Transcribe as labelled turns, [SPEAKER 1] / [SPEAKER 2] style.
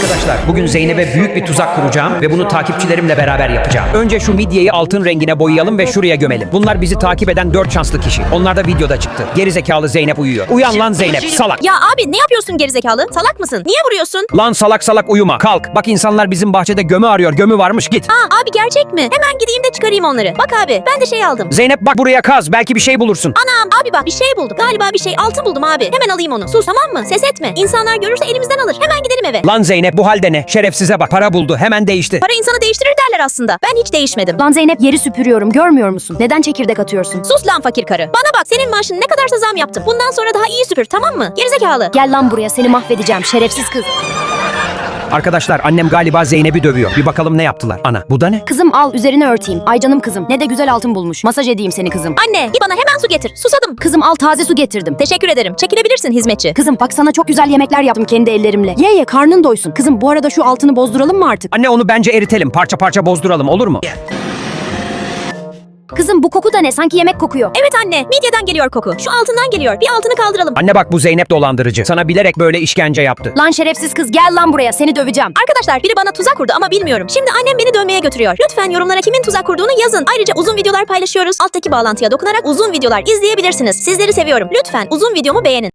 [SPEAKER 1] Arkadaşlar bugün Zeynep'e büyük bir tuzak kuracağım ve bunu takipçilerimle beraber yapacağım. Önce şu midyeyi altın rengine boyayalım ve şuraya gömelim. Bunlar bizi takip eden 4 şanslı kişi. Onlar da videoda çıktı. Gerizekalı Zeynep uyuyor. Uyan lan Zeynep, salak.
[SPEAKER 2] Ya abi ne yapıyorsun gerizekalı? Salak mısın? Niye vuruyorsun?
[SPEAKER 1] Lan salak salak uyuma. Kalk. Bak insanlar bizim bahçede gömü arıyor. Gömü varmış, git.
[SPEAKER 2] Aa abi gerçek mi? Hemen gideyim de çıkarayım onları. Bak abi ben de şey aldım.
[SPEAKER 1] Zeynep bak buraya kaz. Belki bir şey bulursun.
[SPEAKER 2] Anam abi bak bir şey buldum. Galiba bir şey altın buldum abi. Hemen alayım onu. Sus tamam mı? Ses etme. İnsanlar görürse elimizden alır. Hemen gidelim eve.
[SPEAKER 1] Lan Zeynep bu halde ne? Şerefsize bak. Para buldu. Hemen değişti.
[SPEAKER 2] Para insanı değiştirir derler aslında. Ben hiç değişmedim.
[SPEAKER 3] Lan Zeynep yeri süpürüyorum görmüyor musun? Neden çekirdek atıyorsun?
[SPEAKER 2] Sus lan fakir karı. Bana bak senin maaşın ne kadarsa zam yaptım. Bundan sonra daha iyi süpür tamam mı? Gerizekalı.
[SPEAKER 3] Gel lan buraya seni mahvedeceğim şerefsiz kız.
[SPEAKER 1] Arkadaşlar annem galiba Zeynep'i dövüyor. Bir bakalım ne yaptılar. Ana bu da ne?
[SPEAKER 3] Kızım al üzerine örteyim. Ay canım kızım ne de güzel altın bulmuş. Masaj edeyim seni kızım.
[SPEAKER 2] Anne git bana hemen su getir. Susadım.
[SPEAKER 3] Kızım al taze su getirdim.
[SPEAKER 2] Teşekkür ederim. Çekilebilirsin hizmetçi.
[SPEAKER 3] Kızım bak sana çok güzel yemekler yaptım kendi ellerimle. Ye ye karnın doysun. Kızım bu arada şu altını bozduralım mı artık?
[SPEAKER 1] Anne onu bence eritelim. Parça parça bozduralım, olur mu?
[SPEAKER 3] Kızım bu koku da ne? Sanki yemek kokuyor.
[SPEAKER 2] Evet anne midyeden geliyor koku. Şu altından geliyor. Bir altını kaldıralım.
[SPEAKER 1] Anne bak bu Zeynep dolandırıcı. Sana bilerek böyle işkence yaptı.
[SPEAKER 3] Lan şerefsiz kız gel lan buraya seni döveceğim.
[SPEAKER 2] Arkadaşlar biri bana tuzak kurdu ama bilmiyorum. Şimdi annem beni dövmeye götürüyor. Lütfen yorumlara kimin tuzak kurduğunu yazın. Ayrıca uzun videolar paylaşıyoruz. Alttaki bağlantıya dokunarak uzun videolar izleyebilirsiniz. Sizleri seviyorum. Lütfen uzun videomu beğenin.